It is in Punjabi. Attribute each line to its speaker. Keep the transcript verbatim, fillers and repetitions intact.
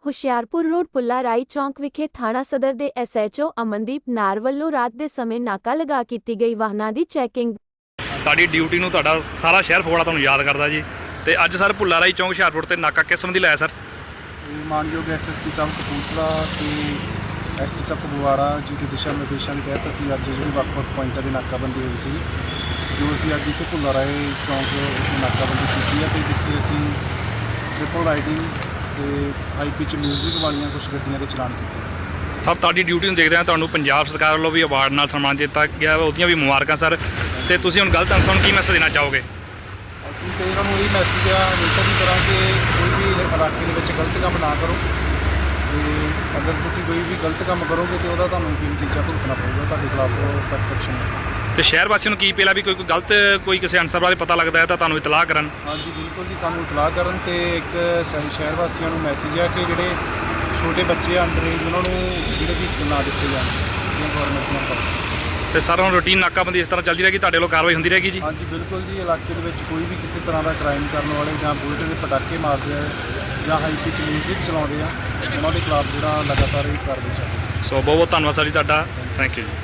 Speaker 1: ਹੁਸ਼ਿਆਰਪੁਰ ਰੋਡ ਪੁੱਲਾ ਰਾਈ ਚੌਂਕ ਵਿਖੇ ਥਾਣਾ ਸਦਰ ਦੇ ਐਸ ਐਚ ਓ ਅਮਨਦੀਪ ਨਾਰ ਵੱਲੋਂ ਰਾਤ ਦੇ ਸਮੇਂ ਨਾਕਾ ਲਗਾ ਕੀਤੀ ਗਈ ਵਾਹਨਾਂ ਦੀ ਚੈਕਿੰਗ।
Speaker 2: ਤੁਹਾਡੀ ਡਿਊਟੀ ਨੂੰ ਤੁਹਾਡਾ ਸਾਰਾ ਸ਼ਹਿਰ ਫਗਵਾੜਾ ਤੁਹਾਨੂੰ ਯਾਦ ਕਰਦਾ ਜੀ। ਤੇ ਅੱਜ ਸਰ ਪੁੱਲਾ ਰਾਈ ਚੌਂਕ ਹੁਸ਼ਿਆਰਪੁਰ ਤੇ ਨਾਕਾ ਕਿਸ ਸੰਬੰਧੀ ਲਾਇਆ ਸਰ?
Speaker 3: ਮਾਨਯੋਗ ਐਸ ਐਸ ਪੀ ਸਾਹਿਬ ਕਪੂਰਥਲਾ ਤੇ ਐਸ ਪੀ ਸਾਹਿਬ ਫਗਵਾੜਾ ਜੀ ਦੇ ਦਿਸ਼ਾ ਨਿਰਦੇਸ਼ਾਂ ਦੇ ਤਹਿਤ ਅਸੀਂ ਅੱਜ ਜਿਹੜੀ ਵੱਖ-ਵੱਖ ਪੁਆਇੰਟਾਂ ਦੀ ਨਾਕਾਬੰਦੀ ਹੋਈ ਸੀ, ਜੋ ਅਸੀਂ ਅੱਜ ਇੱਥੇ ਪੁੱਲਾ ਰਾਈ ਚੌਂਕ ਵਿੱਚ ਨਾਕਾਬੰਦੀ ਕੀਤੀ ਹੈ ਤੇ ਜਿੱਥੇ ਅਸੀਂ ਟ੍ਰਿਪਲ ਰਾਈਡਿੰਗ ਤੇ ਹਾਈ ਪਿਚ ਮਿਊਜ਼ਿਕ ਵਾਲੀਆਂ ਕੁਝ ਗੱਡੀਆਂ ਦੇ ਚਲਾਨ ਕੀਤੇ।
Speaker 2: ਸਰ ਤੁਹਾਡੀ ਡਿਊਟੀ ਨੂੰ ਦੇਖਦੇ ਹਾਂ ਤੁਹਾਨੂੰ ਪੰਜਾਬ ਸਰਕਾਰ ਵੱਲੋਂ ਵੀ ਅਵਾਰਡ ਨਾਲ ਸਨਮਾਨ ਦਿੱਤਾ ਗਿਆ, ਉਹਦੀਆਂ ਵੀ ਮੁਬਾਰਕਾਂ ਸਰ। ਤੇ ਤੁਸੀਂ ਹੁਣ ਗਲਤ ਅਨਸਰਾਂ ਨੂੰ ਕੀ ਮੈਸੇਜ ਦੇਣਾ ਚਾਹੋਗੇ?
Speaker 3: ਅਸੀਂ ਤੇ ਇਹਨਾਂ ਨੂੰ ਇਹ ਮੈਸੇਜ ਆ ਹਮੇਸ਼ਾ ਦੀ ਤਰ੍ਹਾਂ ਕਿ ਕੋਈ ਵੀ ਇਲਾਕੇ ਦੇ ਵਿੱਚ ਗਲਤ ਕੰਮ ਨਾ ਕਰੋ, ਤੇ ਅਗਰ ਤੁਸੀਂ ਕੋਈ ਵੀ ਗਲਤ ਕੰਮ ਕਰੋਗੇ ਤੇ ਉਹਦਾ ਤੁਹਾਨੂੰ ਕੀ ਨਤੀਜਾ ਭੁਗਤਣਾ ਪਊਗਾ, ਤੁਹਾਡੇ ਖਿਲਾਫ ਸਖਤ ਐਕਸ਼ਨ।
Speaker 2: ਤੇ ਸ਼ਹਿਰ ਵਾਸੀਆਂ ਨੂੰ ਕੀ ਪਹਿਲਾ ਵੀ ਕੋਈ ਕੋਈ ਗਲਤ ਕੋਈ ਕਿਸੇ ਅਨਸਰ ਬਾਰੇ ਪਤਾ ਲੱਗਦਾ ਹੈ ਤਾਂ ਤੁਹਾਨੂੰ ਇਤਲਾਹ ਕਰਨ।
Speaker 3: ਹਾਂਜੀ ਬਿਲਕੁਲ ਜੀ, ਸਾਨੂੰ ਇਤਲਾਹ ਕਰਨ। ਤੇ ਇੱਕ ਸ਼- ਸ਼ਹਿਰ ਵਾਸੀਆਂ ਨੂੰ ਮੈਸੇਜ ਆ ਕਿ ਜਿਹੜੇ ਛੋਟੇ ਬੱਚੇ ਅੰਡਰ ਏਜ ਉਹਨਾਂ ਨੂੰ ਜਿਹੜੇ ਵੀ ਨਾ ਦਿੱਤੇ ਜਾਣ, ਜਿਹੜੀਆਂ ਗੌਰਮੈਂਟ ਨਾਲ ਕਰੋ।
Speaker 2: ਤੇ ਸਰ ਹੁਣ ਰੂਟੀਨ ਨਾਕਾਬੰਦੀ ਇਸ ਤਰ੍ਹਾਂ ਚੱਲਦੀ ਰਹੇਗੀ, ਤੁਹਾਡੇ ਵੱਲੋਂ ਕਾਰਵਾਈ ਹੁੰਦੀ ਰਹੇਗੀ ਜੀ?
Speaker 3: ਹਾਂਜੀ ਬਿਲਕੁਲ ਜੀ, ਇਲਾਕੇ ਦੇ ਵਿੱਚ ਕੋਈ ਵੀ ਕਿਸੇ ਤਰ੍ਹਾਂ ਦਾ ਕ੍ਰਾਈਮ ਕਰਨ ਵਾਲੇ ਜਾਂ ਬੁਲਟ ਦੇ ਪਟਾਕੇ ਮਾਰਦੇ ਆ ਜਾਂ ਹਾਈ ਪਿਚ ਮਿਊਜ਼ਿਕ ਚਲਾਉਂਦੇ ਆ, ਉਹਨਾਂ ਦੇ ਖਿਲਾਫ ਜਿਹੜਾ ਲਗਾਤਾਰ ਇਹ ਕਾਰਵਾਈ ਚੱਲ ਰਹੀ ਹੈ।
Speaker 2: ਸੋ ਬਹੁਤ ਬਹੁਤ ਧੰਨਵਾਦ ਸਰ ਜੀ ਤੁਹਾਡਾ, ਥੈਂਕ ਯੂ ਜੀ।